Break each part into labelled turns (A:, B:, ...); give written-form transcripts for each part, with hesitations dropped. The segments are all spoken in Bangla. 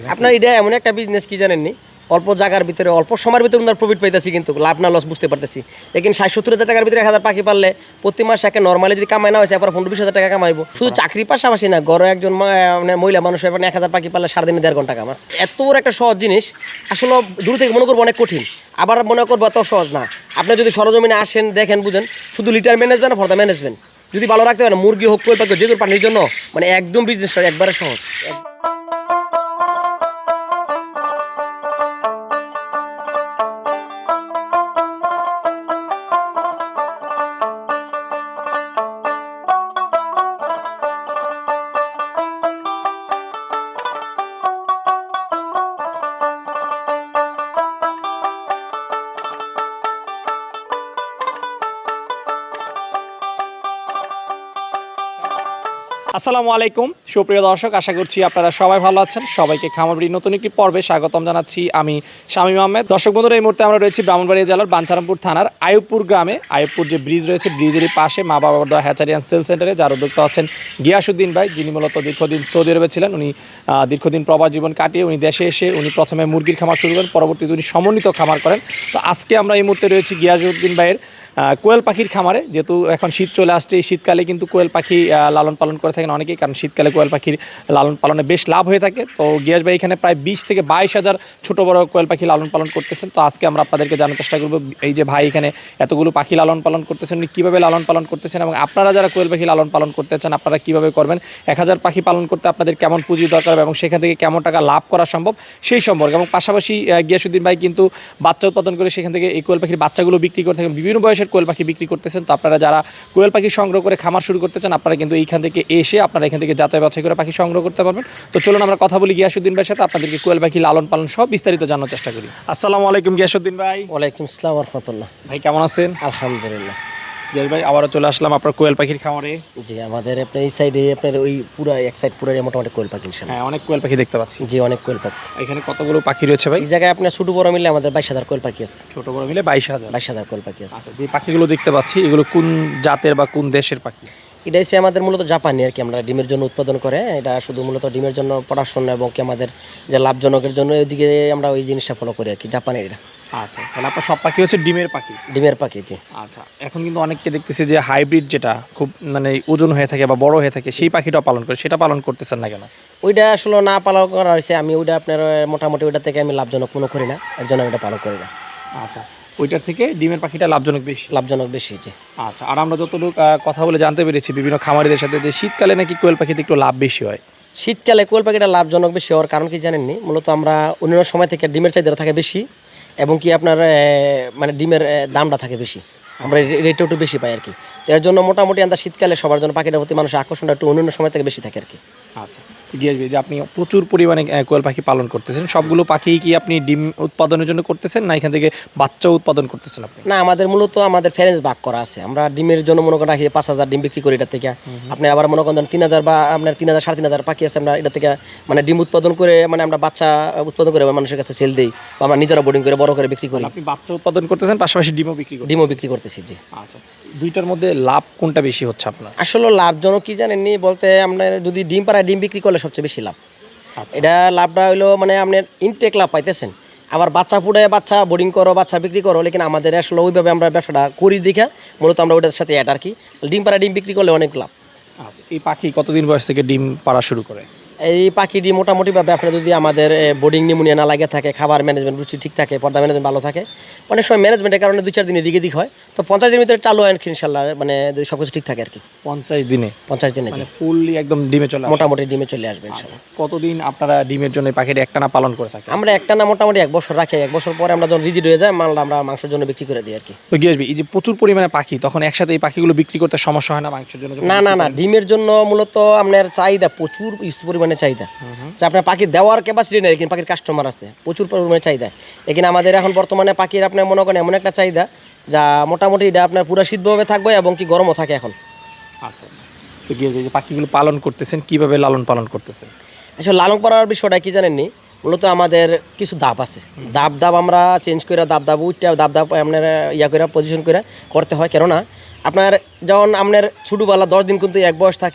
A: আপনার এটা এমন একটা বিজনেস কি জানেননি, অল্প জায়গার ভিতরে অল্প সময়ের ভিতরে আমরা প্রফিট পাইতেছি, কিন্তু লাভ না লস বুঝতে পারতেছি। লেকিন 60-70 হাজার টাকার ভিতরে 1000 পাখি পারলে প্রতি মাসে একটা নর্মালি যদি কামাই না হয়েছে এবার 15-20 হাজার টাকা কামাইবো। শুধু চাকরির পাশাপাশি না, ঘরে একজন মানে মহিলা মানুষ এবার 1000 পাখি পারলে সারাদিনে 1.5 ঘন্টা কামাস। এত বড় একটা সহজ জিনিস আসলে দূর থেকে মনে করবো অনেক কঠিন, আবার মনে করবো এত সহজ না। আপনি যদি সরজমিনে আসেন দেখেন বুঝেন, শুধু litter management for the management যদি ভালো রাখতে পারেন, মুরগি হোক কোয়েল পাখি যে কোনো পানির জন্য মানে একদম বিজনেসটা একবারে সহজ।
B: আসসালামু আলাইকুম সুপ্রিয় দর্শক, আশা করছি আপনারা সবাই ভালো আছেন। সবাইকে খামারবাড়ির নতুন একটি পর্বে স্বাগতম জানাচ্ছি। আমি শামীম আহমেদ। দর্শক বন্ধুরা, এই মুহূর্তে আমরা রয়েছি ব্রাহ্মণবাড়িয়া জেলার বাঞ্ছারামপুর থানার আইয়ুবপুর গ্রামে। আইয়ুবপুর যে ব্রিজ রয়েছে, ব্রিজেরই পাশে মা বাবার দোয়া হ্যাচারি অ্যান্ড সেল সেন্টারে, যার উদ্যোক্তা হচ্ছেন গিয়াসউদ্দিন ভাই, যিনি মূলত দীর্ঘদিন সৌদি আরবে ছিলেন। উনি দীর্ঘদিন প্রবাস জীবন কাটিয়ে উনি দেশে এসে উনি প্রথমে মুরগির খামার শুরু করেন, পরবর্তীতে উনি সমন্বিত খামার করেন। তো আজকে আমরা এই মুহূর্তে রয়েছি গিয়াসউদ্দিন ভাইয়ের কোয়েল পাখির খামারে। যেহেতু এখন শীত চলে আসছে, এই শীতকালে কিন্তু কোয়েল পাখি লালন পালন করে থাকেন অনেকেই, কারণ শীতকালে কোয়েল পাখির লালন পালনে বেশ লাভ হয়ে থাকে। তো গিয়াস ভাই এখানে প্রায় 20 থেকে 22 হাজার ছোটো বড় কোয়েল পাখি লালন পালন করতেছেন। তো আজকে আমরা আপনাদেরকে জানার চেষ্টা করবো এই যে ভাই এখানে এতগুলো পাখি লালন পালন করতেছেন, উনি কীভাবে লালন পালন করতেছেন, এবং আপনারা যারা কোয়েল পাখি লালন পালন করতে চান আপনারা কীভাবে করবেন, 1000 পাখি পালন করতে আপনাদের কেমন পুঁজি দরকার এবং সেখান থেকে কেমন টাকা লাভ করা সম্ভব সেই সম্পর্কে। এবং পাশাপাশি গিয়াসউদ্দিন ভাই কিন্তু বাচ্চা উৎপাদন করে সেখান থেকে এই কোয়েল পাখির বাচ্চাগুলো বিক্রি করে থাকেন, বিভিন্ন বয়সের কোয়েল পাখি বিক্রি করতেছেন। তো আপনারা যারা কোয়েল পাখি সংগ্রহ করে খামার শুরু করতে চান আপনারা কিন্তু এইখান থেকে এসে আপনারা এখান থেকে যাচাই বাছাই করে পাখি সংগ্রহ করতে পারবেন। তো চলুন আমরা কথা বলি গিয়াসউদ্দিন ভাইয়ের সাথে, আপনাদেরকে কোয়েল পাখি লালন পালন সব বিস্তারিত জানার চেষ্টা করি। আসসালামু আলাইকুম গিয়াসউদ্দিন ভাই।
A: ওয়ালাইকুম আসসালাম ওয়া রাহমাতুল্লাহ।
B: ভাই কেমন আছেন?
A: আলহামদুলিল্লাহ।
B: গিয়াস ভাই আবারও চলে আসলাম আপনার কোয়েল পাখির খামারে।
A: জি, আমাদের আপনার এই সাইডে আপনার ওই পুরো এক সাইড পুরো মোটামুটি কোয়েল পাখি।
B: হ্যাঁ, অনেক কোয়েল পাখি দেখতে পাচ্ছি।
A: জি, অনেক কোয়েল পাখি।
B: এখানে কতগুলো পাখি রয়েছে ভাই?
A: এই জায়গায় আপনার ছোট বড় মিলে আমাদের 22,000 কোয়েল পাখি আছে।
B: ছোট বড় মিলে 22,000।
A: 22,000 কোয়েল পাখি আছে।
B: আচ্ছা, যে পাখিগুলো দেখতে পাচ্ছি এগুলো কোন জাতের বা কোন দেশের পাখি?
A: এটা হচ্ছে আমাদের মূলত জাপানি আর কি, আমরা ডিমের জন্য উৎপাদন করে। এটা শুধু মূলত ডিমের জন্য পড়াশোনা এবং কি আমাদের যে লাভজনকের জন্য ওইদিকে আমরা ওই জিনিসটা ফলো করি আর কি, জাপানের এটা।
B: আচ্ছা, তাহলে আপনার সব পাখি হচ্ছে ডিমের পাখি?
A: ডিমের পাখি, জি।
B: আচ্ছা, এখন কিন্তু অনেককে দেখতেছি যে হাইব্রিড যেটা খুব মানে ওজন হয়ে থাকে বা বড় হয়ে থাকে সেই পাখিটা পালন করে, সেটা পালন করতেছেন না কেন?
A: ওইটা আসলে না পালন করা হয়েছে, আমি ওইটা আপনার মোটামুটি ওইটা থেকে আমি লাভজনক মনে করি না, এর জন্য আমি ওইটা পালন করি না।
B: আচ্ছা, ওইটার থেকে ডিমের পাখিটা লাভজনক বেশি?
A: লাভজনক বেশি, জি।
B: আচ্ছা, আর আমরা যতটুকু কথা বলে জানতে পেরেছি বিভিন্ন খামারিদের সাথে যে শীতকালে নাকি কোয়েল পাখিতে একটু লাভ বেশি হয়।
A: শীতকালে কোয়েল পাখিটা লাভজনক বেশি হওয়ার কারণ কি জানেননি, মূলত আমরা অন্যান্য সময় থেকে ডিমের চাহিদা থাকে বেশি এবং কি আপনার মানে ডিমের দামটা থাকে বেশি, আমরা রেটও একটু বেশি পাই আর কি। তো এর জন্য মোটামুটি আমরা শীতকালে সবার জন্য পাখিটার প্রতি মানুষের আকর্ষণটা একটু অন্যান্য সময় থেকে বেশি থাকে আর কি।
B: আচ্ছা, গিয়াস ভাই যে আপনি প্রচুর পরিমাণে কোয়েল পাখি পালন করতেছেন, সবগুলো পাখি কি আপনি ডিম উৎপাদনের জন্য করতেছেন না এখান থেকে বাচ্চা উৎপাদন করতেছেন আপনি?
A: না, আমাদের মূলত আমাদের ফ্যারেন্স ভাগ করা আছে। আমরা ডিমের জন্য মনে করেন রাখি 5,000 ডিম বিক্রি করি এটা থেকে। আপনি আবার মনে করেন 3,000 বা আপনার 3,000 3,500 পাখি আছে, আমরা এটা থেকে মানে ডিম উৎপাদন করে মানে আমরা বাচ্চা উৎপাদন করে মানুষের কাছে সেল দিই বা আমরা নিজেরা বোর্ডিং করে বড় করে বিক্রি করি।
B: আপনি বাচ্চা উৎপাদন করতেছেন পাশাপাশি ডিমও বিক্রি করেন?
A: ডিমও বিক্রি করতেছি, জি।
B: আচ্ছা, দুইটার মধ্যে লাভ কোনটা বেশি হচ্ছে আপনার?
A: আসলে লাভজনক কি জানেননি বলতে, আপনার যদি ডিম পাড়ায় ডিম বিক্রি করলে সবচেয়ে বেশি লাভ।
B: আচ্ছা।
A: এটা লাভটা হইলো মানে আপনার ইনটেক লাভ পাইতেছেন, আবার বাচ্চা ফুটে বাচ্চা বোর্ডিং করো বাচ্চা বিক্রি করো, লেকিন আমাদের আসলে ওইভাবে আমরা ব্যবসাটা করি দেখা মূলত আমরা ওইটার সাথে অ্যাড আর কি। ডিম পাড়ায় ডিম বিক্রি করলে অনেক লাভ।
B: আচ্ছা, এই পাখি কতদিন বয়স থেকে ডিম পাড়া শুরু করে?
A: এই পাখিটি মোটামুটিভাবে আপনার যদি আমাদের বোর্ডিং নিউমোনিয়া না লাগে থাকে, খাবার ম্যানেজমেন্ট রুচি ঠিক থাকে, পর্দা ম্যানেজমেন্ট ভালো থাকে, অনেক সময় ম্যানেজমেন্টের কারণে 2-4 দিন এদিকে দিক হয়, তো 50 দিনের ভিতরে চালু হয় ইনশাল্লাহ, মানে যদি সব কিছু ঠিক থাকে আর কি।
B: 50 দিনে?
A: 50 দিনে, জি।
B: ফুললি একদম ডিমে চলে আসে?
A: মোটামুটি ডিমে চলে আসবে ইনশাল্লাহ।
B: কতদিন আপনারা ডিমের জন্য পাখিটা একটানা পালন করে থাকেন?
A: আমরা একটা না মোটামুটি 1 বছর রাখি, 1 বছর পরে আমরা যখন রিজিড হয়ে যায় মালটা আমরা মাংসের জন্য বিক্রি করে দিই আর কি।
B: তো গিয়ে আসবি এই যে প্রচুর পরিমাণে পাখি, তখন একসাথে এই পাখিগুলো বিক্রি করতে সমস্যা হয় না মাংসের জন্য?
A: না না না, ডিমের জন্য মূলত আপনার চাহিদা প্রচুর পরিমাণে চাহিদা, যে আপনার পাখি দেওয়ার ক্যাপাসিটি নেই, কিন্তু পাখির কাস্টমার আছে প্রচুর পরিমাণে চাহিদা। এখানে আমাদের এখন বর্তমানে পাখির আপনার মনে করেন এমন একটা চাহিদা যা মোটামুটি এটা আপনার পুরো শীতভাবে থাকবে এবং কি গরমও থাকে এখন।
B: আচ্ছা আচ্ছা, তো গিয়ে যে পাখিগুলো পালন করতেছেন কিভাবে লালন পালন করতেছেন?
A: আসলে লালন পালনের বিষয়টা কি জানেননি, মূলত আমাদের কিছু ধাপ আছে, ধাপ আমরা চেঞ্জ করে ধাপ উঠতে ধাপ আপনার ইয়া করে পজিশন করে করতে হয়। কেননা আপনার যখন আপনার ছোটোবেলা 10 দিন কিন্তু এক বয়স থাকে,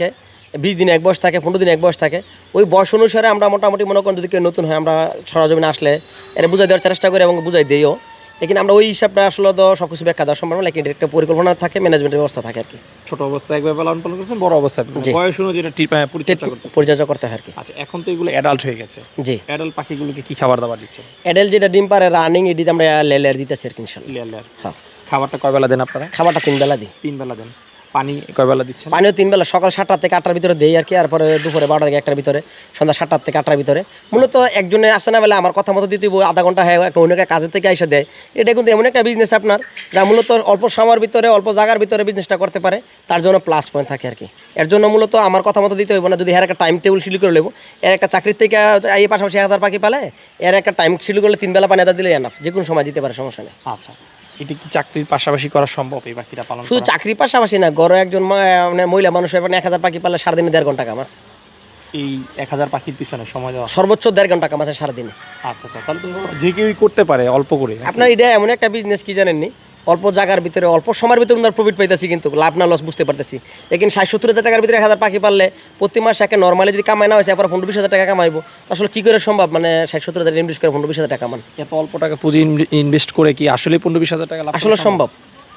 A: 20 দিন এক বয়স থাকে, 15 দিন এক বয়স থাকে। ওই বয়স অনুসারে আমরা মোটামুটি মনে করেন যদি কেউ নতুন হয় আমরা সরজমিনে আসলে এটা বুঝাই দেওয়ার চেষ্টা করি এবং বুঝাই দিইও। লেকিন আমরা ওই হিসাবটা আসলে তো সব কিছু ব্যাখ্যা দেওয়া সম্ভব না, লেকিন একটা পরিকল্পনা থাকে, ম্যানেজমেন্টের ব্যবস্থা থাকে আর কি।
B: ছোট অবস্থায় একভাবে লালন পালন করছেন, বড় অবস্থায়
A: জি।
B: বয়স অনুযায়ী যেটা পরিচর্যা করতেছেন।
A: পরিচর্যা করতে হয় আর কি।
B: আচ্ছা, এখন তো এগুলো অ্যাডাল্ট হয়ে গেছে,
A: জি।
B: অ্যাডাল্ট পাখিগুলোকে কি খাবার দাবার দিচ্ছে?
A: অ্যাডেল যেটা ডিম পারে রানিং এটিতে আমরা লেয়ার দিতেছি আর কি ইনশাল্লাহ।
B: লেয়ার।
A: হ্যাঁ,
B: খাবারটা কয় বেলা দেন আপনারা?
A: খাবারটা 3 বেলা দিই।
B: 3 বেলা দেন। পানি কয় বেলা দিচ্ছেন?
A: পানিও 3 বেলা, সকাল 7টা থেকে 8টার ভিতরে দেই আর কি, আর পরে দুপুরে 12টা থেকে 1টার ভিতরে, সন্ধ্যা 7টা থেকে 8টার ভিতরে। মূলত একজনে আসে না বলে আমার কথা মতো দিতে হবে, আধা ঘন্টা হয় একটা অন্য একটা কাজের থেকে এসে দেয়। এটা কিন্তু এমন একটা বিজনেস আপনার যা মূলত অল্প সময়ের ভিতরে অল্প জায়গার ভিতরে বিজনেসটা করতে পারে, তার জন্য প্লাস পয়েন্ট থাকে আর কি। এর জন্য মূলত আমার কথা মতো দিতে হইব না, যদি এর একটা টাইম টেবিল শিডিউল করে নেবো, এর একটা চাকরির থেকে এই পাশাপাশি 1000 পাখি পালে, এর একটা টাইম শিডিউল করলে 3 বেলা পানি আদা দিলে এনাফ, যে কোনো সময় দিতে পারে, সমস্যা নেই।
B: আচ্ছা, এটা কি চাকরির পাশাপাশি করা সম্ভব এই পাখিটা পালন
A: শুধু
B: করা?
A: চাকরির পাশাপাশি না, গড়ে একজন মানে মহিলা মানুষ 1000 পাখি পালে সারাদিনে 1.5 ঘন্টা কামাস,
B: এই 1000 পাখির পিছনে সময় দেওয়া?
A: সর্বোচ্চ 1.5 ঘন্টা কামাচ্ছে সারাদিনে।
B: আচ্ছা, তাহলে তো যে কেউই করতে পারে অল্প করে।
A: আপনার এটা এমন একটা বিজনেস কি জানেননি, অল্প জায়গার ভিতরে অল্প সময়ের ভিতরে আমরা প্রফিট পাইতেছি, কিন্তু লাভ না লস বুঝতে পারতেছি। লেকিন 60-70 হাজার টাকার ভিতরে 1000 পাখি পারলে প্রতি মাসে একে নর্মালি যদি কামাই না হয়েছে এরপর 15-20 হাজার টাকা কামাইবো, তো আসলে কী করে সম্ভব? মানে 60-70 হাজার ইনভেস্ট করে 15-20 হাজার টাকা কামান
B: এত অল্প টাকা পুঁজি ইনভেস্ট করে কি আসলে 15-20 হাজার টাকা লাভ করা
A: আসলে সম্ভব?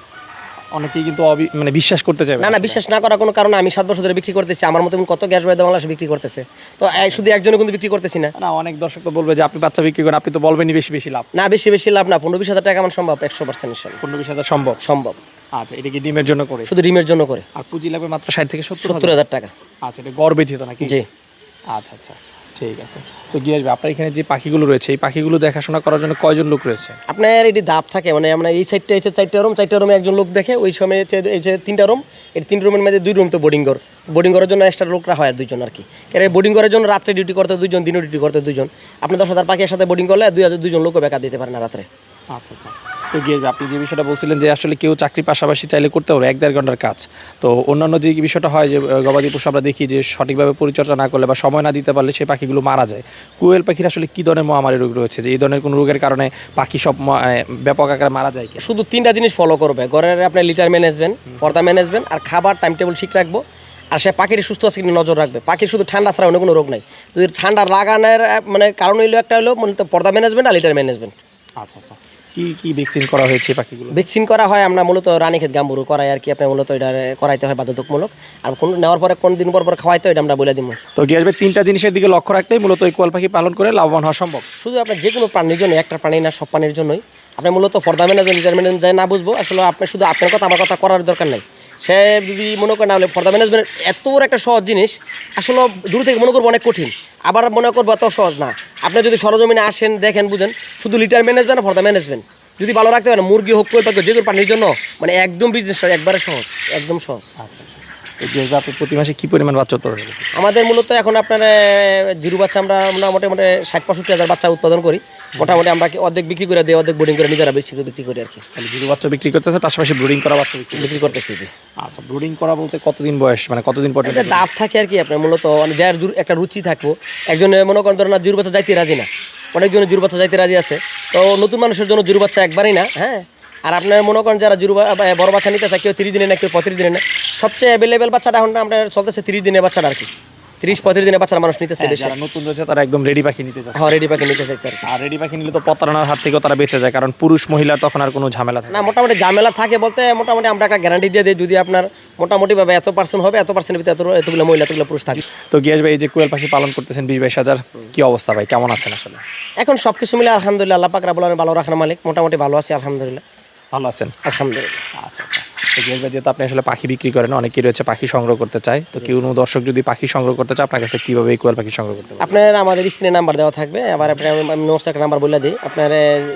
B: অনেকেই কিন্তু মানে বিশ্বাস করতে চায়
A: না, বিশ্বাস না করার কোনো কারণ, আমি 7 বছর ধরে বিক্রি করতেছি, আমার মতো কত গ্যাস বাইদা বাংলাদেশে বিক্রি করতেছে, তো শুধু একজনে কিন্তু বিক্রি করতেছি না।
B: না, অনেক দর্শক তো বলবে যে আপনি বাচ্চা বিক্রি করেন, আপনি তো বলবেনই বেশি লাভ।
A: না, বেশি লাভ না, 15-20 হাজার টাকা আমার সম্ভব 100% ইনশাল্লাহ।
B: 15-20 হাজার সম্ভব?
A: সম্ভব।
B: আচ্ছা, এটা কি ডিমের জন্য করে?
A: শুধু ডিমের জন্য করে।
B: আর পুঁজি লাগবে মাত্র 60 থেকে 70
A: 70 হাজার টাকা।
B: আচ্ছা, এটা গড় ব্যতীত নাকি?
A: জি।
B: আচ্ছা, ঠিক আছে। তো গিয়ে আসবে আপনার এখানে যে পাখিগুলো রয়েছে, এই পাখিগুলো দেখাশোনা করার জন্য কয়জন লোক রয়েছে?
A: আপনার এটি দাপ থাকে, মানে আমরা এই সাইডটা এসে 4টা রুমে একজন লোক দেখে, ওই সময় এই যে 3টা রুম, এই 3 রুমের মধ্যে 2 রুম তো বোর্ডিং ঘর, বোর্ডিং করার জন্য এক্সট্রা লোকরা হয় 2জন আর কি। কারণ বোর্ডিং করার জন্য রাত্রে ডিউটি করতে 2জন, দিনও ডিউটি করতে 2জন। আপনি 10,000 পাখির সাথে বোর্ডিং করলে 2জন লোকও ব্যাকআপ দিতে পারেন না রাত্রে।
B: আচ্ছা, তো গিয়ে আপনি যে বিষয়টা বলছিলেন যে আসলে কেউ চাকরি পাশাপাশি চাইলে করতে পারবে 1-1.5 ঘন্টার কাজ, তো অন্যান্য যে বিষয়টা হয় যে গবাদি পশু আমরা দেখি যে সঠিকভাবে পরিচর্যা না করলে বা সময় না দিতে পারলে সেই পাখিগুলো মারা যায়। কোয়েল পাখির আসলে কী ধরনের মহামারী রোগ রয়েছে যে এই ধরনের কোনো রোগের কারণে পাখি সব ব্যাপক আকারে মারা যায় কি?
A: শুধু 3টা জিনিস ফলো করবে, ঘরের আপনার লিটার ম্যানেজমেন্ট, পর্দা ম্যানেজমেন্ট আর খাবার টাইম টেবিল ঠিক রাখবো, আর সে পাখির সুস্থ আছে কিনা নজর রাখবে। পাখির শুধু ঠান্ডা ছাড়া অন্য কোনো রোগ নাই। যদি ঠান্ডা লাগানোর মানে কারণ হইলো একটা হলো মূলত পর্দা ম্যানেজমেন্ট আর লিটার ম্যানেজমেন্ট।
B: আচ্ছা, কি ভ্যাকসিন করা হয়েছে পাখিগুলো?
A: ভ্যাকসিন করা হয় আমরা মূলত রানীক্ষেত গাম্বুরু করাই আর কি, আপনার মূলত এটা করাইতে হয় বাধ্যতামূলক, আর কোন নেওয়ার পরে কোন দিন পর খাওয়াইতে হয় এটা আমরা বলে দিব।
B: তো গিয়ে আসবে 3টা জিনিসের দিকে লক্ষ্য রাখলেই মূলত এই কোয়েল পাখি পালন করে লাভবান হওয়া সম্ভব।
A: শুধু আপনার যে কোনো প্রাণীর জন্য, একটা প্রাণী না সব প্রাণীর জন্যই আপনি মূলত ফর্দা ম্যানেজমেন্ট লিটার ম্যানেজমেন্ট যায় না বুঝবো, আসলে আপনি শুধু আপনার কথা আমার কথা করার দরকার নাই। সে যদি মনে করে না হলে ফর্দা ম্যানেজমেন্ট এত বড় একটা সহজ জিনিস, আসলে দূর থেকে মনে করবো অনেক কঠিন, আবার মনে করবো এত সহজ না। আপনি যদি সরজমিনে আসেন দেখেন বুঝেন, শুধু লিটার ম্যানেজমেন্ট আর ফর্দা ম্যানেজমেন্ট যদি ভালো রাখতে পারেন, মুরগি হোক কোয়েল পাখি যে কোনো প্রাণীর জন্য মানে একদম বিজনেসটা একবারে সহজ, একদম সহজ।
B: আচ্ছা, তো গিয়ে আসবে আপনি প্রতি মাসে কী পরিমাণ বাচ্চা উৎপাদন করেন?
A: আমাদের মূলত এখন আপনার জিরো বাচ্চা আমরা মোটামুটি 60-65 হাজার বাচ্চা উৎপাদন করি। মোটামুটি আমরা অর্ধেক বিক্রি করে দিই, অর্ধেক বোর্ডিং করে নিজেরা বেশি বিক্রি করি আর কি।
B: তাহলে জিরো বাচ্চা বিক্রি করতেছে, পাশাপাশি ব্রুডিং করা বাচ্চা
A: বিক্রি করতেছি। জি।
B: আচ্ছা, ব্রুডিং করা বলতে কতদিন বয়স, মানে কতদিন পর্যন্ত?
A: এটা দাপ থাকে আর কি, আপনার মূলত যার একটা রুচি থাকবো। একজনে মনে করেন ধরেন না জিরো বাচ্চা যাইতে রাজি না, অনেকজনে জিরো বাচ্চা যাইতে রাজি আছে, তো নতুন মানুষের জন্য জিরো বাচ্চা একবারই না। হ্যাঁ, আর আপনার মনে করেন যারা বড় বাচ্চা নিতে চায়, কেউ 30 দিনে না, কেউ 35 দিনে না, সবচেয়ে অ্যাভেলেবেল বাচ্চাটা এখন আমরা চলতেছে 30 দিনের বাচ্চাটা আর কি। 30-35 দিনের বাচ্চারা মানুষ নিতেছে বেশি।
B: যারা নতুন রয়েছে তারা একদম রেডি পাখি নিতে চায়।
A: হ্যাঁ, রেডি পাখি নিতে চাইছে আর কি।
B: আর রেডি পাখি নিলে তো প্রতারণার হাত থেকেও তারা বেঁচে যায়, কারণ পুরুষ মহিলার তখন আর কোনো ঝামেলা থাকে
A: না। মোটামুটি ঝামেলা থাকে বলতে মোটামুটি আমরা একটা গ্যারান্টি দিয়ে দিই, যদি আপনার মোটামুটিভাবে এত% হবে, এত%-এর ভিতরে এতগুলো মহিলা, এতগুলো পুরুষ থাকে।
B: তো গিয়াস ভাই, এই যে কোয়েল পাখি পালন করতেছেন 20-22 হাজার, কি অবস্থা ভাই, কেমন আছেন আসলে?
A: এখন সব কিছু মিলে আলহামদুলিল্লাহ, আল্লাহ পাক রাব্বুল আলামিন ভালো রাখার মালিক, মোটামুটি ভালো আছি আলহামদুলিল্লাহ।
B: ভালো আছেন?
A: আলহামদুলিল্লাহ।
B: আচ্ছা, তো গিয়াস ভাই, যেহেতু আপনি আসলে পাখি বিক্রি করেন, অনেকেই রয়েছে পাখি সংগ্রহ করতে চায়, তো কেউ দর্শক যদি পাখি সংগ্রহ করতে চায় আপনার কাছে কীভাবে এই কোয়েল পাখি সংগ্রহ করতে পারে?
A: আপনার আমাদের স্ক্রিনে নাম্বার দেওয়া থাকবে, আবার আপনার আমি নোটস একটা নাম্বার বলে দিই, আপনার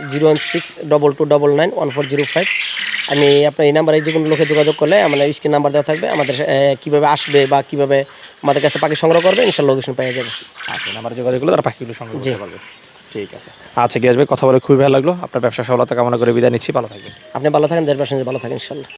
A: 01622991405। আমি আপনার এই নাম্বারে যে কোনো লোকে যোগাযোগ করলে আমাদের স্ক্রিন নাম্বার দেওয়া থাকবে, আমাদের কীভাবে আসবে বা কীভাবে আমাদের কাছে পাখি সংগ্রহ করবে ইনশাআল্লাহ লোকেশন পেয়ে যাবে।
B: আচ্ছা, নাম্বারে যোগাযোগ করলে তারা পাখিগুলো সংগ্রহ করতে পারবে। ঠিক আছে। আচ্ছা গিয়াস ভাই, কথা বলে খুবই ভালো লাগলো। আপনার ব্যবসা সফলতা কামনা করে বিদায় নিচ্ছি, ভালো থাকবেন।
A: আপনি ভালো থাকেন, দেশ বাসী ভালো থাকেন ইনশাআল্লাহ।